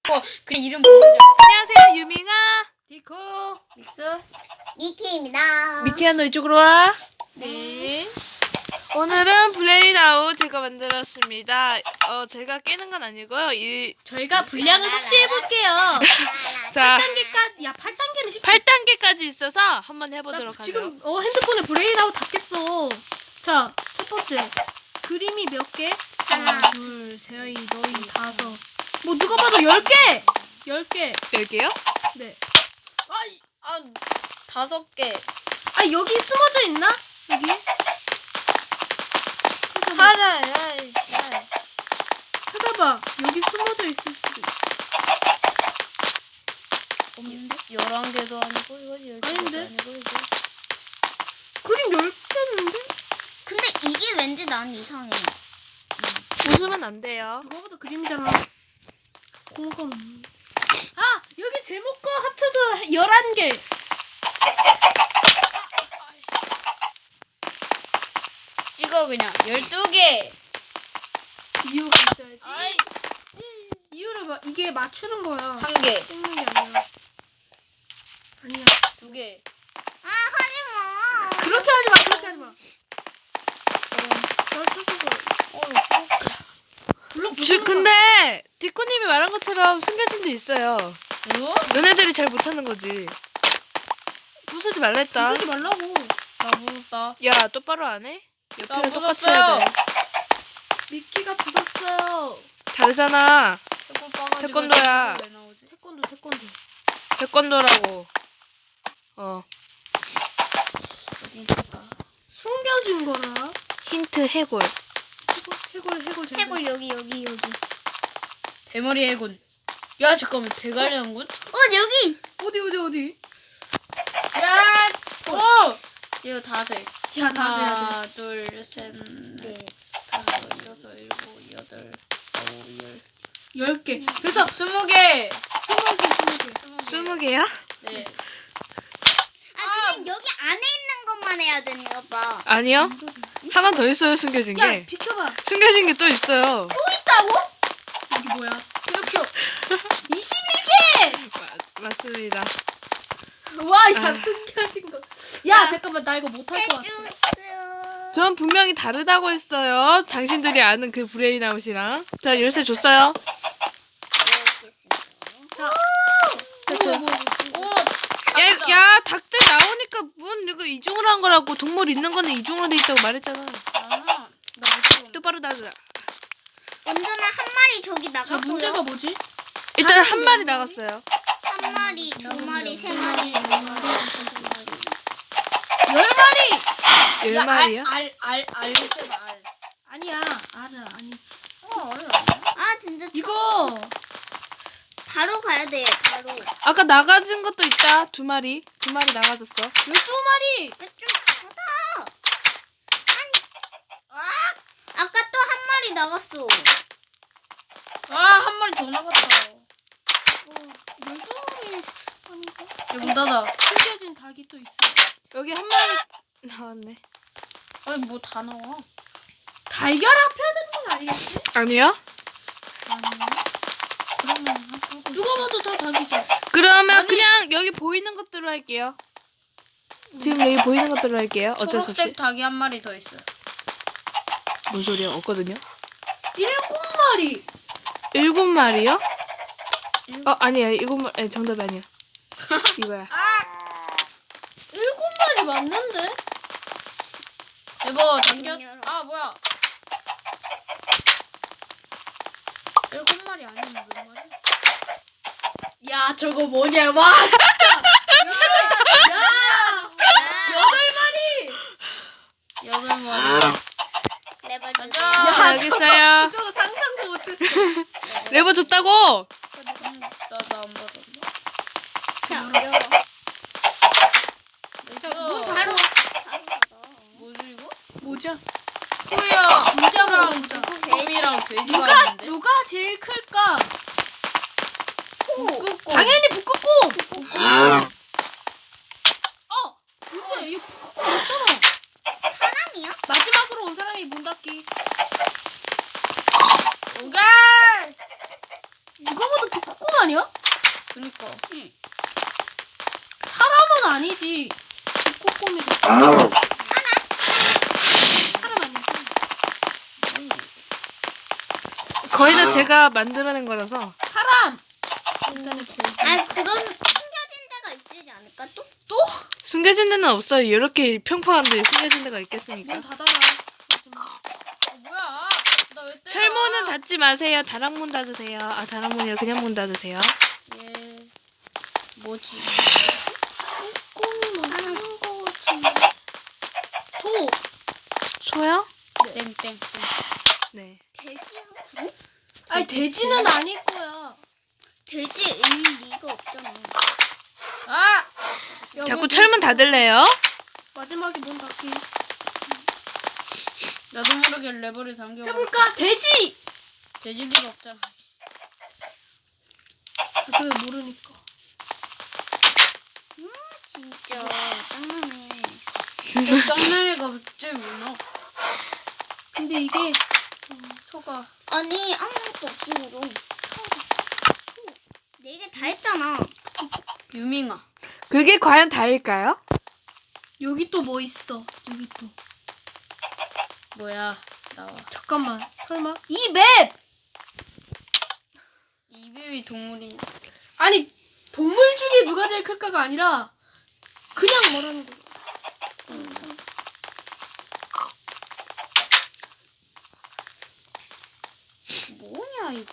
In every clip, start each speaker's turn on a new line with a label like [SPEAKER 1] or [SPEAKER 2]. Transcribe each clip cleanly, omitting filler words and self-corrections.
[SPEAKER 1] 그 이름 모르죠.
[SPEAKER 2] 안녕하세요, 유밍아.
[SPEAKER 3] 디코
[SPEAKER 1] 믹스.
[SPEAKER 4] 미키입니다.
[SPEAKER 2] 미키야, 너 이쪽으로 와.
[SPEAKER 3] 네.
[SPEAKER 2] 오늘은 블레이드아웃 제가 만들었습니다. 제가 깨는 건 아니고요.
[SPEAKER 3] 저희가 분량을 삭제해볼게요.
[SPEAKER 2] 자,
[SPEAKER 3] 8단계까지 야 8단계는 쉽지.
[SPEAKER 2] 8단계까지 있어서 한번 해보도록 하죠.
[SPEAKER 3] 지금 핸드폰에 브레인아웃 다 깼어. 자, 첫 번째 그림이 몇 개?
[SPEAKER 4] 하나.
[SPEAKER 3] 둘, 셋, 너희 다섯. 뭐 누가 봐도 10개. 10개.
[SPEAKER 2] 10개요?
[SPEAKER 3] 네.
[SPEAKER 1] 5개.
[SPEAKER 3] 아 여기 숨어져 있나? 여기?
[SPEAKER 1] 하나.
[SPEAKER 3] 찾아봐. 여기 숨어져 있을 수도 있어.
[SPEAKER 1] 없는데? 11개도 아니고 이거 12개도
[SPEAKER 3] 아닌데?
[SPEAKER 1] 아니고 이거.
[SPEAKER 3] 그림 10개인데?
[SPEAKER 4] 근데 이게 왠지 난 이상해.
[SPEAKER 2] 웃으면 안 돼요.
[SPEAKER 3] 누가 봐도 그림이잖아. 공감. 아! 여기 제목과 합쳐서 11개.
[SPEAKER 1] 찍어 그냥 12개.
[SPEAKER 3] 이유가 있어야지.
[SPEAKER 1] 아이,
[SPEAKER 3] 이유를 이게 맞추는 거야.
[SPEAKER 1] 1개.
[SPEAKER 3] 찍는 게 아니라. 아니야.
[SPEAKER 1] 2개.
[SPEAKER 4] 아 하지 마.
[SPEAKER 3] 그렇게 하지 마. 그렇게 하지 마. 잘 찾아봐. 블록 부수는 거.
[SPEAKER 2] 근데 디코님이 말한 것처럼 숨겨진 데 있어요.
[SPEAKER 1] 뭐?
[SPEAKER 2] 너네들이 잘 못 찾는 거지. 부수지 말라 했다.
[SPEAKER 3] 부수지 말라고.
[SPEAKER 1] 나 무섭다.
[SPEAKER 2] 야, 똑바로 안 해?
[SPEAKER 1] 나
[SPEAKER 2] 옆에랑 똑같이 해야
[SPEAKER 1] 무섭어요.
[SPEAKER 2] 돼.
[SPEAKER 3] 미키가 부쉈어요.
[SPEAKER 2] 다르잖아. 태권도야.
[SPEAKER 1] 왜 나오지?
[SPEAKER 3] 태권도.
[SPEAKER 2] 태권도라고.
[SPEAKER 1] 어디 있을까?
[SPEAKER 3] 숨겨진 거라.
[SPEAKER 2] 힌트 해골.
[SPEAKER 3] 해골 잘.
[SPEAKER 4] 해골 여기.
[SPEAKER 1] 대머리 해군. 야 잠깐만 대가리 해군?
[SPEAKER 4] 여기.
[SPEAKER 3] 어디?
[SPEAKER 1] 야! 오! 이거 다 돼.
[SPEAKER 3] 야, 다 세야 돼.
[SPEAKER 1] 하나, 둘, 셋, 넷, 다섯, 여섯, 일곱, 여덟, 아홉, 열.
[SPEAKER 3] 10개. 그래서
[SPEAKER 1] 20개.
[SPEAKER 3] 20개.
[SPEAKER 2] 20개야?
[SPEAKER 1] 네.
[SPEAKER 4] 그냥 여기 안에 있는 것만 해야 되나 봐.
[SPEAKER 2] 아니요. 하나 더 있어요, 숨겨진
[SPEAKER 3] 야,
[SPEAKER 2] 게.
[SPEAKER 3] 비켜봐.
[SPEAKER 2] 숨겨진 게 또 있어요.
[SPEAKER 3] 또 있다고? 여기 뭐야?
[SPEAKER 1] 피노키오.
[SPEAKER 3] 21개!
[SPEAKER 2] 맞습니다.
[SPEAKER 3] 와, 야,
[SPEAKER 2] 아.
[SPEAKER 3] 숨겨진 거. 야, 잠깐만, 나 이거 못할 것 같아.
[SPEAKER 4] 해주세요.
[SPEAKER 2] 전 분명히 다르다고 했어요. 당신들이 아는 그 브레인아웃이랑. 자, 열쇠 줬어요.
[SPEAKER 3] 자,
[SPEAKER 1] 오!
[SPEAKER 2] 야, 닭들 나오니까 문 이거 이중으로 한 거라고. 동물 있는 거는 이중으로 돼 있다고 말했잖아.
[SPEAKER 1] 나 무서워.
[SPEAKER 2] 똑바로 나가.
[SPEAKER 4] 먼저는 한 마리 저기
[SPEAKER 3] 자,
[SPEAKER 4] 나갔고요.
[SPEAKER 3] 문제가 뭐지?
[SPEAKER 2] 일단 한 마리 나갔어요.
[SPEAKER 4] 한 마리, 두 마리, 세 마리,
[SPEAKER 3] 10마리!
[SPEAKER 2] 10마리요?
[SPEAKER 1] 알세요, 알.
[SPEAKER 3] 아니야, 아니지.
[SPEAKER 4] 아 진짜
[SPEAKER 3] 이거!
[SPEAKER 4] 바로 가야 돼. 바로.
[SPEAKER 2] 아까 나가진 것도 있다. 2마리. 2마리 나가졌어.
[SPEAKER 3] 12마리!
[SPEAKER 4] 좀 받아. 아까 또 한 마리 나갔어.
[SPEAKER 1] 한 마리 더 나갔다.
[SPEAKER 3] 12마리 아닌가?
[SPEAKER 1] 야, 문 닫아.
[SPEAKER 3] 숨겨진 닭이 또 있어.
[SPEAKER 2] 여기 한 마리 나왔네.
[SPEAKER 1] 아니, 뭐 다 나와.
[SPEAKER 3] 달걀 합해야 되는 건 아니겠지?
[SPEAKER 2] 아니요?
[SPEAKER 3] 누가 봐도 다 닭이죠.
[SPEAKER 2] 그러면 그냥 여기 보이는 것들로 할게요. 지금 여기 보이는 것들로 할게요. 어쩔 수 없이.
[SPEAKER 1] 초록색 닭이 한 마리 더 있어.
[SPEAKER 2] 뭔 소리야? 없거든요.
[SPEAKER 3] 7마리!
[SPEAKER 2] 7마리요? 아니야. 7마리. 정답이 아니야. 이거야.
[SPEAKER 3] 7마리 맞는데?
[SPEAKER 1] 여보, 당겨.
[SPEAKER 4] 열어.
[SPEAKER 1] 뭐야. 7마리 아니면 몇 마리?
[SPEAKER 3] 야, 저거 뭐냐, 와! 야! 8마리!
[SPEAKER 1] 8마리.
[SPEAKER 4] 레벨
[SPEAKER 1] 가자.
[SPEAKER 3] 야,
[SPEAKER 2] 알겠어요.
[SPEAKER 3] 저거 상상도 못했어.
[SPEAKER 2] 레버 줬다고?
[SPEAKER 1] 나안 받았나?
[SPEAKER 4] 자, 열어. 문 바로.
[SPEAKER 1] 뭐지 이거?
[SPEAKER 3] 뭐죠?
[SPEAKER 1] 소야, 문자랑
[SPEAKER 3] 문자.
[SPEAKER 1] 북극곰이랑 돼지가 있는데?
[SPEAKER 3] 누가 제일 클까?
[SPEAKER 1] 북극곰.
[SPEAKER 3] 당연히 북극곰! 근데 이 북극곰 맞잖아.
[SPEAKER 4] 사람이야?
[SPEAKER 3] 마지막으로 온 사람이 문 닫기.
[SPEAKER 1] 오갈!
[SPEAKER 3] 누가 봐도 북극곰 아니야? 아니야?
[SPEAKER 1] 그니까.
[SPEAKER 3] 사람은 아니지. 꼬꼬미도. 사람 아니야. 사람.
[SPEAKER 2] 거의 다 제가 만들어낸 거라서.
[SPEAKER 3] 사람. 일단은 돼지.
[SPEAKER 4] 아니 그런 숨겨진 데가 있지 않을까 또?
[SPEAKER 2] 숨겨진 데는 없어요. 이렇게 평평한데 숨겨진 데가 있겠습니까?
[SPEAKER 3] 문 닫아라. 마지막.
[SPEAKER 1] 뭐야? 나 왜 때려?
[SPEAKER 2] 철문은 닫지 마세요. 다락문 닫으세요. 아, 다락문이 아니라 그냥 문 닫으세요.
[SPEAKER 1] 예. 뭐지?
[SPEAKER 3] 꼬꼬미 하는 거 같은데. 소.
[SPEAKER 2] 소요?
[SPEAKER 1] 땡땡.
[SPEAKER 2] 네.
[SPEAKER 4] 돼지야?
[SPEAKER 3] 아니 돼지는 아닐 거야.
[SPEAKER 4] 돼지 일 리가 없잖아.
[SPEAKER 1] 아!
[SPEAKER 3] 야,
[SPEAKER 2] 자꾸
[SPEAKER 3] 문
[SPEAKER 2] 철문 닫을래요?
[SPEAKER 3] 마지막에 문 닫기.
[SPEAKER 1] 나도 모르게 레버를 당겨.
[SPEAKER 3] 해볼까? 돼지.
[SPEAKER 1] 돼질 리가 없잖아.
[SPEAKER 3] 아, 그래 모르니까.
[SPEAKER 4] 진짜 짱나네.
[SPEAKER 1] 짱나니가 갑자기 왜 나와?
[SPEAKER 3] 근데 이게 소가
[SPEAKER 4] 아니 아무것도 없으므로. 네 개 다 했잖아.
[SPEAKER 1] 유밍아.
[SPEAKER 2] 그게 과연 다일까요?
[SPEAKER 3] 여기 또 뭐 있어? 여기 또.
[SPEAKER 1] 뭐야? 나와.
[SPEAKER 3] 잠깐만. 설마 이 맵.
[SPEAKER 1] 이뱀이 동물이.
[SPEAKER 3] 아니 동물 중에 누가 제일 클까가 아니라 그냥 뭐라는 거야.
[SPEAKER 1] 뭐냐 이거?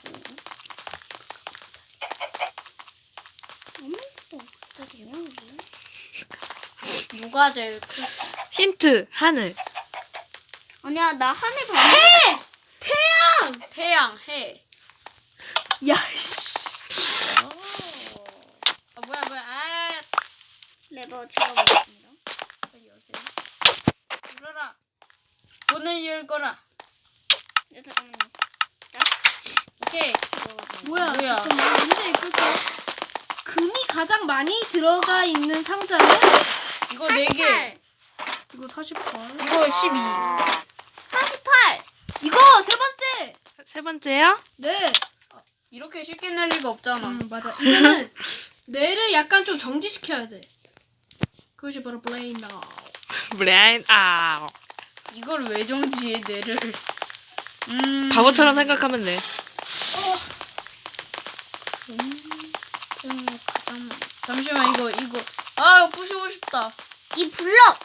[SPEAKER 1] 누가 제일 크?
[SPEAKER 2] 힌트. 하늘.
[SPEAKER 4] 아니야 나 하늘 봐.
[SPEAKER 3] 해! 태양!
[SPEAKER 1] 태양, 해.
[SPEAKER 3] 야 씨.
[SPEAKER 1] 아 뭐야? 아,
[SPEAKER 4] 레버 제가 먹겠습니다.
[SPEAKER 1] 빨리 여세요. 열어라. 문을 열거라.
[SPEAKER 4] 네, 잠깐만요.
[SPEAKER 1] 오케이.
[SPEAKER 3] 뭐야?
[SPEAKER 1] 뭐야?
[SPEAKER 3] 잠깐만. 문제 읽을게. 금이 가장 많이 들어가 있는 상자는
[SPEAKER 1] 이거 4개.
[SPEAKER 3] 이거 48.
[SPEAKER 1] 이거 12.
[SPEAKER 4] 48.
[SPEAKER 3] 이거 세 번째.
[SPEAKER 2] 세 번째요?
[SPEAKER 3] 네.
[SPEAKER 1] 이렇게 쉽게 낼 리가 없잖아.
[SPEAKER 3] 맞아. 이거는 뇌를 약간 좀 정지시켜야 돼. 그것이 바로 브레인 나우.
[SPEAKER 2] 브레인 아웃.
[SPEAKER 1] 이걸 왜 정지해 내를?
[SPEAKER 2] 바보처럼 생각하면 돼.
[SPEAKER 1] 잠시만 이거 아 부시고 싶다.
[SPEAKER 4] 이 블럭.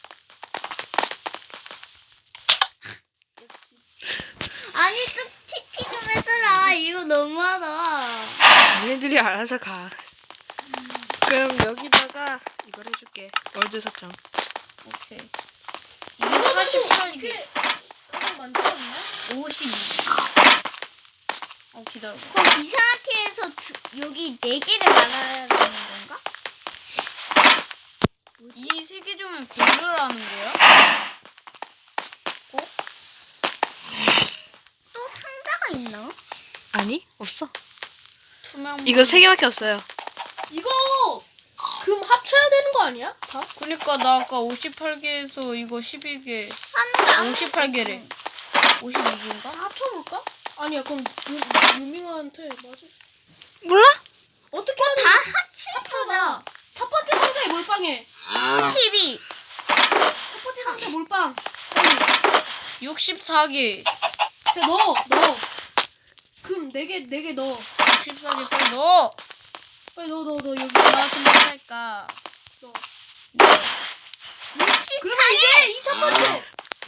[SPEAKER 4] 아니 좀 TP 좀 해줘라. 이거 너무하다.
[SPEAKER 2] 니네들이 알아서 가. 그럼 여기다가 이걸 해줄게. 월드 설정.
[SPEAKER 1] 오케이. 이게 48개.
[SPEAKER 3] 가장 많지 않나?
[SPEAKER 1] 52. 기다려.
[SPEAKER 4] 그럼 이상하게 해서 여기 4개를 말하는 건가?
[SPEAKER 1] 이 3개 중에 고르라는 거야?
[SPEAKER 4] 또 상자가 있나?
[SPEAKER 2] 아니? 없어.
[SPEAKER 1] 투명.
[SPEAKER 2] 이거 3개밖에 없어요.
[SPEAKER 3] 이거 금 합쳐야 되는 거 아니야? 다?
[SPEAKER 1] 그러니까 나 아까 58개에서 이거 12개.
[SPEAKER 4] 하늘에 아무
[SPEAKER 1] 58개래. 52개인가?
[SPEAKER 3] 다 합쳐볼까? 아니야 그럼 유밍한테 맞아.
[SPEAKER 2] 몰라?
[SPEAKER 3] 어떻게 하는
[SPEAKER 4] 다 합쳐보자.
[SPEAKER 3] 첫 번째 상자에 몰빵해.
[SPEAKER 4] 12.
[SPEAKER 3] 첫 번째 상자 몰빵.
[SPEAKER 1] 64개.
[SPEAKER 3] 자 넣어. 금 4개 넣어.
[SPEAKER 1] 64개 빨리 넣어.
[SPEAKER 3] 빨리 넣어 여기.
[SPEAKER 1] 나 좀 할까?
[SPEAKER 3] 넣어.
[SPEAKER 4] 64개.
[SPEAKER 3] 그러면 이게 이 첫 번째.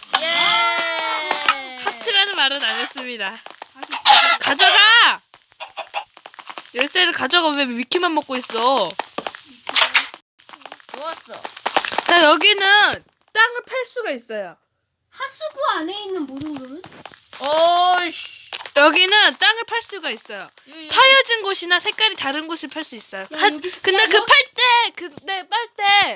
[SPEAKER 1] 예.
[SPEAKER 2] 합치라는 말은 안 했습니다. 가져가! 열쇠를 가져가. 왜 위키만 먹고 있어?
[SPEAKER 1] 좋았어.
[SPEAKER 2] 자, 여기는 땅을 팔 수가 있어요.
[SPEAKER 3] 하수구 안에 있는 모든 금은?
[SPEAKER 1] 어이씨.
[SPEAKER 2] 여기는 땅을 팔 수가 있어요.
[SPEAKER 1] 여기,
[SPEAKER 2] 파여진 곳이나 색깔이 다른 곳을 팔 수 있어요.
[SPEAKER 3] 여기-
[SPEAKER 2] 근데
[SPEAKER 3] 야,
[SPEAKER 2] 그 팔 때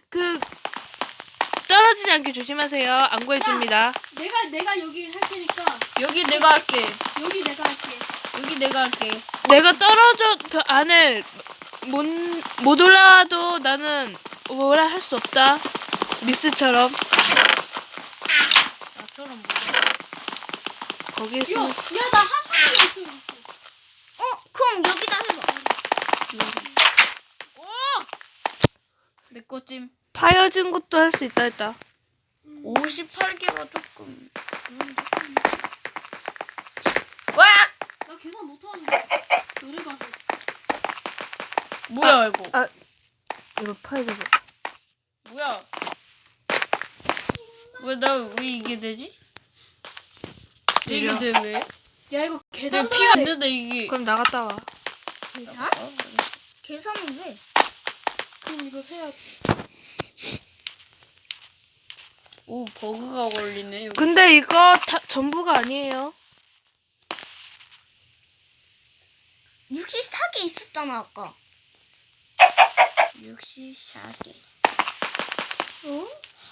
[SPEAKER 2] 떨어지지 않게 조심하세요. 안 구해집니다.
[SPEAKER 3] 내가 여기 할 테니까
[SPEAKER 1] 여기 내가 할게.
[SPEAKER 3] 여기 내가 할게.
[SPEAKER 1] 여기 내가 할게.
[SPEAKER 2] 내가 떨어져 안을 못 올라와도 나는 뭐라 할 수 없다. 미스처럼
[SPEAKER 1] 나처럼 뭐.
[SPEAKER 2] 거기 있으면
[SPEAKER 3] 야 나 하수구 있어.
[SPEAKER 4] 그럼 여기다 해봐.
[SPEAKER 1] 이거쯤
[SPEAKER 2] 파여진 것도 할 수 있다 했다.
[SPEAKER 1] 58개가 조금 와!
[SPEAKER 3] 나 계산 못하는데. 너네 가서.
[SPEAKER 1] 뭐야 이거?
[SPEAKER 2] 이거 파여져.
[SPEAKER 1] 뭐야? 왜 이게 되지? 이게
[SPEAKER 2] 느려.
[SPEAKER 1] 돼 왜?
[SPEAKER 3] 야 이거
[SPEAKER 1] 내
[SPEAKER 3] 계산
[SPEAKER 1] 피가 안 된다 이게.
[SPEAKER 2] 그럼 나갔다 와.
[SPEAKER 4] 계산? 계산은 왜?
[SPEAKER 3] 그럼 이거 세야.
[SPEAKER 1] 오 버그가 걸리네 여기.
[SPEAKER 2] 근데 이거 다 전부가 아니에요.
[SPEAKER 4] 64개 있었잖아 아까.
[SPEAKER 1] 64개.
[SPEAKER 3] 어?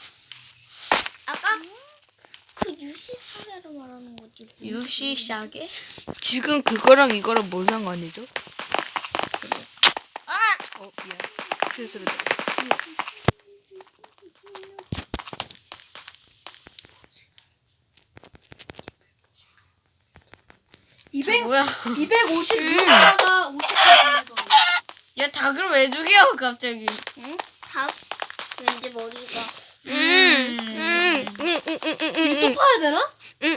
[SPEAKER 4] 아까 그 64개를 말하는 거지.
[SPEAKER 1] 64개?
[SPEAKER 2] 지금 그거랑 이거랑 뭔 상관이죠?
[SPEAKER 1] 아!
[SPEAKER 2] 미안. 실수로 들었어.
[SPEAKER 3] 200
[SPEAKER 1] 뭐야?
[SPEAKER 3] 256에다가 50개 더.
[SPEAKER 1] 야 닭을 왜 죽여 갑자기?
[SPEAKER 4] 응? 닭 왠지 머리가.
[SPEAKER 3] 또 파야 되나?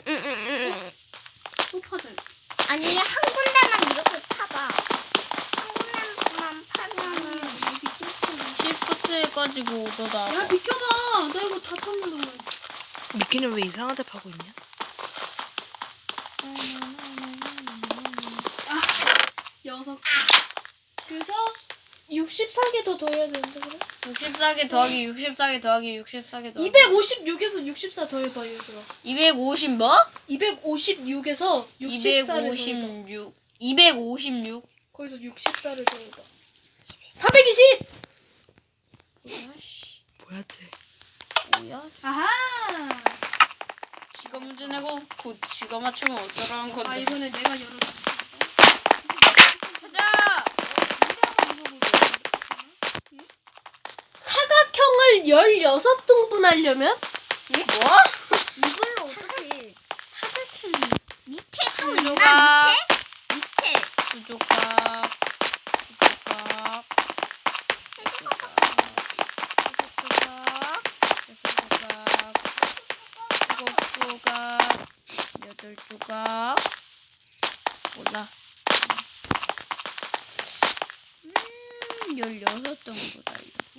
[SPEAKER 3] 또 파자.
[SPEAKER 4] 아니 한 군데만 이렇게 파봐. 한 군데만 팔면은
[SPEAKER 1] 시프트 해가지고 너
[SPEAKER 3] 야
[SPEAKER 1] 나와.
[SPEAKER 3] 비켜봐. 나 이거 다 탔는데.
[SPEAKER 2] 미끼는 왜 이상한 데 파고 있냐?
[SPEAKER 3] 여섯. 그래서 64개 더 더해야 되는데 그래?
[SPEAKER 1] 64개 더하기 64개 더하기 64개 더하기
[SPEAKER 3] 256에서 64 더해봐 얘들아.
[SPEAKER 1] 250 뭐?
[SPEAKER 3] 256에서 64를 더해봐.
[SPEAKER 1] 256 256
[SPEAKER 3] 거기서 64를 더해봐. 420!
[SPEAKER 2] 뭐야 쟤?
[SPEAKER 1] 뭐야?
[SPEAKER 3] 아하!
[SPEAKER 1] 지가 문제 내고 지가 맞추면 어쩌라는
[SPEAKER 3] 아
[SPEAKER 1] 건데.
[SPEAKER 3] 이번에 내가 열어줄게.
[SPEAKER 1] 가자!
[SPEAKER 3] 사각형을 16등분 하려면
[SPEAKER 1] 뭐?
[SPEAKER 4] 이걸로 어떻게 사각형 밑에 또 있나?
[SPEAKER 1] 조각
[SPEAKER 4] 밑에?
[SPEAKER 1] 부조각 부조각 여덟 조각 몰라. 16정도 달려고.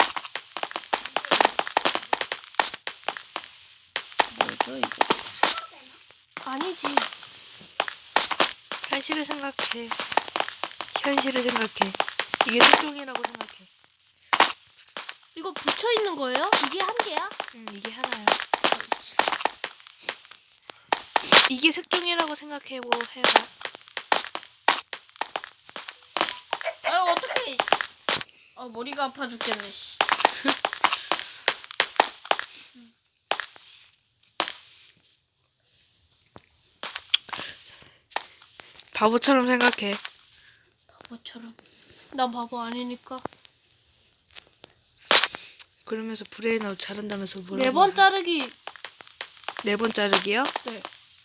[SPEAKER 1] 뭐죠 이거?
[SPEAKER 3] 아니지.
[SPEAKER 2] 현실을 생각해. 현실을 생각해. 이게 특종이라고 생각해.
[SPEAKER 3] 이거 붙여 있는 거예요? 이게 한 개야?
[SPEAKER 2] 이게 하나야. 이게 색종이라고 생각해보 해봐.
[SPEAKER 1] 아 어떡해. 머리가 아파 죽겠네. 씨.
[SPEAKER 2] 바보처럼 생각해.
[SPEAKER 1] 바보처럼.
[SPEAKER 3] 난 바보 아니니까.
[SPEAKER 2] 그러면서 브레인아웃 잘한다면서 뭐라고?
[SPEAKER 3] 4번 자르기.
[SPEAKER 2] 4번 자르기요?
[SPEAKER 3] 네.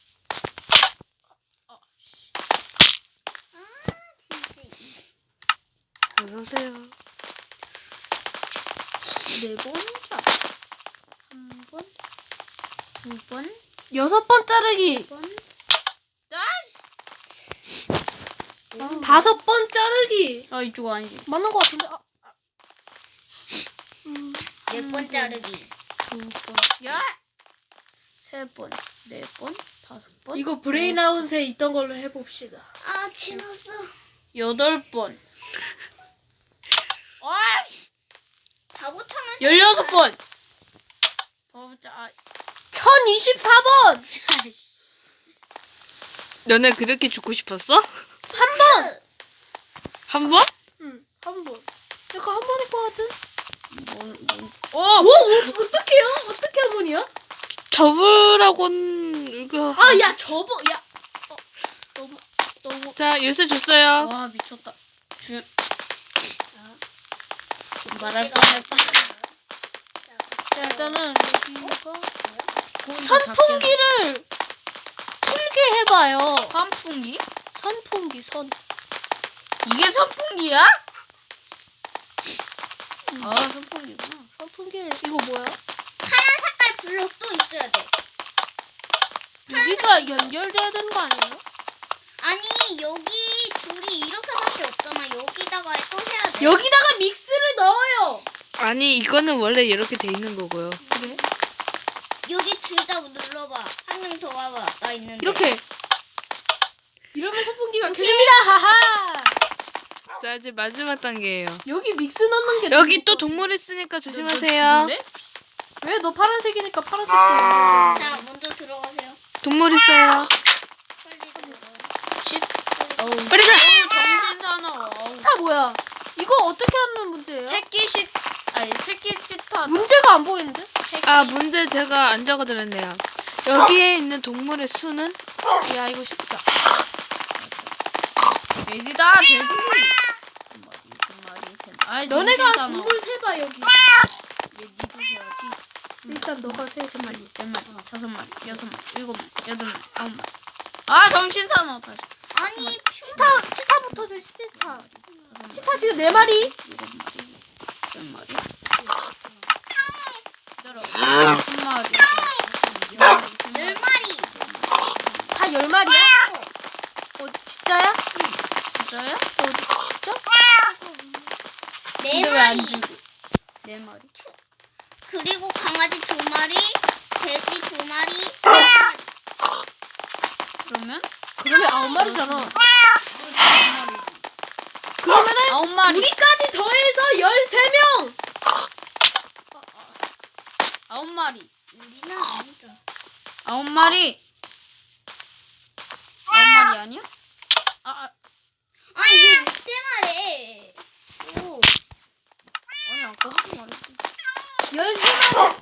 [SPEAKER 2] 어서오세요.
[SPEAKER 1] 4번이자. 1번, 2번,
[SPEAKER 3] 6번 자르기.
[SPEAKER 1] 2번.
[SPEAKER 3] 5번 자르기.
[SPEAKER 1] 이쪽 아니지.
[SPEAKER 3] 맞는 거 같은데.
[SPEAKER 4] 몇 번 자르기.
[SPEAKER 1] 2번. 야! 3번, 4번, 5번.
[SPEAKER 3] 이거 브레인아웃에 있던 걸로 해봅시다.
[SPEAKER 4] 아 지났어.
[SPEAKER 1] 8번.
[SPEAKER 4] 바보처럼
[SPEAKER 1] 16번. 바보자.
[SPEAKER 3] 1024번.
[SPEAKER 2] 너네 그렇게 죽고 싶었어?
[SPEAKER 3] 한 번.
[SPEAKER 2] 한 번?
[SPEAKER 3] 응, 한 번. 약간 한 번일 것 같은. 어떡해요? 어떻게 한 번이야?
[SPEAKER 2] 접으라고는 이거.
[SPEAKER 3] 아, 야, 접어. 야. 너무.
[SPEAKER 2] 자, 열쇠 줬어요.
[SPEAKER 1] 와 미쳤다. 말할 뻔했다.
[SPEAKER 3] 자, 일단은 여기가
[SPEAKER 1] 선풍기.
[SPEAKER 3] 선풍기를 틀게 해봐요.
[SPEAKER 1] 선풍기?
[SPEAKER 3] 선풍기, 선.
[SPEAKER 1] 이게 선풍기야? 아 선풍기구나.
[SPEAKER 3] 선풍기 이거 뭐야?
[SPEAKER 4] 파란 색깔 블록도 있어야 돼.
[SPEAKER 3] 여기가 연결돼야 되는 거 아니에요?
[SPEAKER 4] 아니 여기 줄이 이렇게밖에 없잖아. 여기다가 또 해야 돼.
[SPEAKER 3] 여기다가 믹스를 넣어요.
[SPEAKER 2] 아니 이거는 원래 이렇게 돼 있는 거고요.
[SPEAKER 3] 그래?
[SPEAKER 4] 여기 줄 다 눌러봐. 한 명 더 와봐. 나 있는데.
[SPEAKER 3] 이렇게. 이러면 선풍기가 켜집니다. 하하.
[SPEAKER 2] 자 이제 마지막 단계예요.
[SPEAKER 3] 여기 믹스 넣는 게
[SPEAKER 2] 여기 또 동물 있으니까 조심하세요.
[SPEAKER 3] 왜 너 파란색이니까 파란색 좀 넣어야 돼.
[SPEAKER 4] 자 먼저 들어가세요.
[SPEAKER 2] 동물 있어요.
[SPEAKER 4] 빨리 들어가.
[SPEAKER 1] 어우
[SPEAKER 2] 빨리 가.
[SPEAKER 1] 정신 사나워.
[SPEAKER 3] 치타 뭐야? 이거 어떻게 하는 문제예요?
[SPEAKER 1] 새끼 치타.
[SPEAKER 3] 문제가 안 보이는데?
[SPEAKER 2] 아 문제 제가 안 적어드렸네요. 여기에 있는 동물의 수는
[SPEAKER 3] 야 이거 쉽다.
[SPEAKER 1] 돼지다 돼지. 한 마리, 두 마리, 세 마리. 아이,
[SPEAKER 3] 너네가
[SPEAKER 1] 정신 사나워.
[SPEAKER 3] 동물 세봐 여기.
[SPEAKER 1] 얘 니도 해야지.
[SPEAKER 3] 일단 너가 세.
[SPEAKER 1] 세 마리, 네 마리, 다섯 마리, 여섯 마리, 일곱 마리, 여덟 마리, 아홉 마리. 아 정신 사나워 다시.
[SPEAKER 4] 아니
[SPEAKER 3] 치타부터 세. 치타. 치타 지금 4마리.
[SPEAKER 1] 일곱 마리, 여덟 마리. 기다려. 한 마리. 열 마리, 세 마리.
[SPEAKER 4] 10마리.
[SPEAKER 3] 다 10마리야? 진짜야?
[SPEAKER 1] 진짜야?
[SPEAKER 3] 진짜?
[SPEAKER 4] 네
[SPEAKER 1] 근데 왜 안
[SPEAKER 4] 마리.
[SPEAKER 1] 주고? 네 마리.
[SPEAKER 4] 그리고 강아지 2마리, 돼지 2마리, 3마리.
[SPEAKER 1] 그러면?
[SPEAKER 3] 그러면 9마리잖아.
[SPEAKER 1] 아홉 마리.
[SPEAKER 3] 그러면은
[SPEAKER 1] 아홉 마리.
[SPEAKER 3] 우리까지 더해서 13명.
[SPEAKER 1] 아홉 마리.
[SPEAKER 4] 우리는 아니다.
[SPEAKER 1] 아홉 마리. 아홉 마리 아니야?
[SPEAKER 4] 아니 왜 이때 말해? 오.
[SPEAKER 1] 아니 아까부터 말했지.
[SPEAKER 3] 13마리.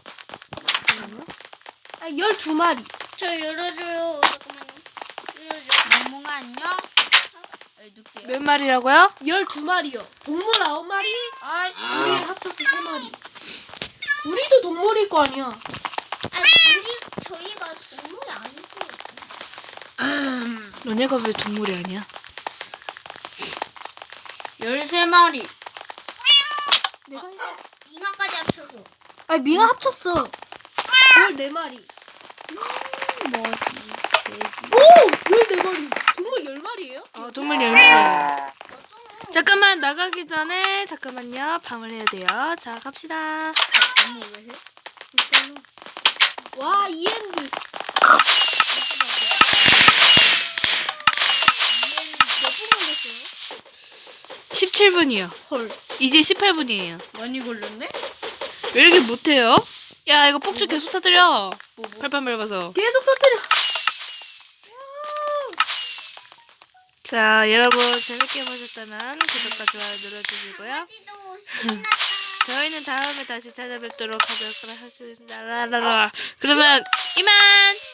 [SPEAKER 3] 아 12마리.
[SPEAKER 4] 저 열어줘요. 잠깐만요. 열어줘.
[SPEAKER 1] 멍멍아 안녕. 늑대야.
[SPEAKER 2] 몇 마리라고요?
[SPEAKER 3] 12마리요. 동물 9마리.
[SPEAKER 1] 아이.
[SPEAKER 3] 우리 합쳐서 3마리. 우리도 동물일 거 아니야.
[SPEAKER 4] 아니 저희가 동물이 아니어요.
[SPEAKER 2] 너네가 왜 동물이 아니야?
[SPEAKER 1] 13마리.
[SPEAKER 3] 내가 했어.
[SPEAKER 4] 빙하까지 합쳐서.
[SPEAKER 3] 아니 밍아 합쳤어. 14마리.
[SPEAKER 1] 뭐지? 돼지.
[SPEAKER 3] 오! 14마리. 동물 10마리예요?
[SPEAKER 2] 동물 10마리예요. 잠깐만 나가기 전에 잠깐만요. 밤을 해야 돼요. 자 갑시다.
[SPEAKER 1] 너무 왜 해?
[SPEAKER 3] 일단은 와 이엔드. 몇분 걸렸어요?
[SPEAKER 2] 17분이요.
[SPEAKER 3] 헐.
[SPEAKER 2] 이제 18분이에요.
[SPEAKER 1] 많이 걸렸네?
[SPEAKER 2] 왜 이렇게 못해요? 야 이거 폭죽 계속 터뜨려.
[SPEAKER 1] 뭐?
[SPEAKER 2] 팔팔 밟아서.
[SPEAKER 3] 계속 터뜨려.
[SPEAKER 2] 자 여러분 재밌게 보셨다면 구독과 좋아요 눌러주시고요.
[SPEAKER 4] 강아지도 신났다.
[SPEAKER 2] 저희는 다음에 다시 찾아뵙도록 하도록 하겠습니다. 라라라. 그러면 이만.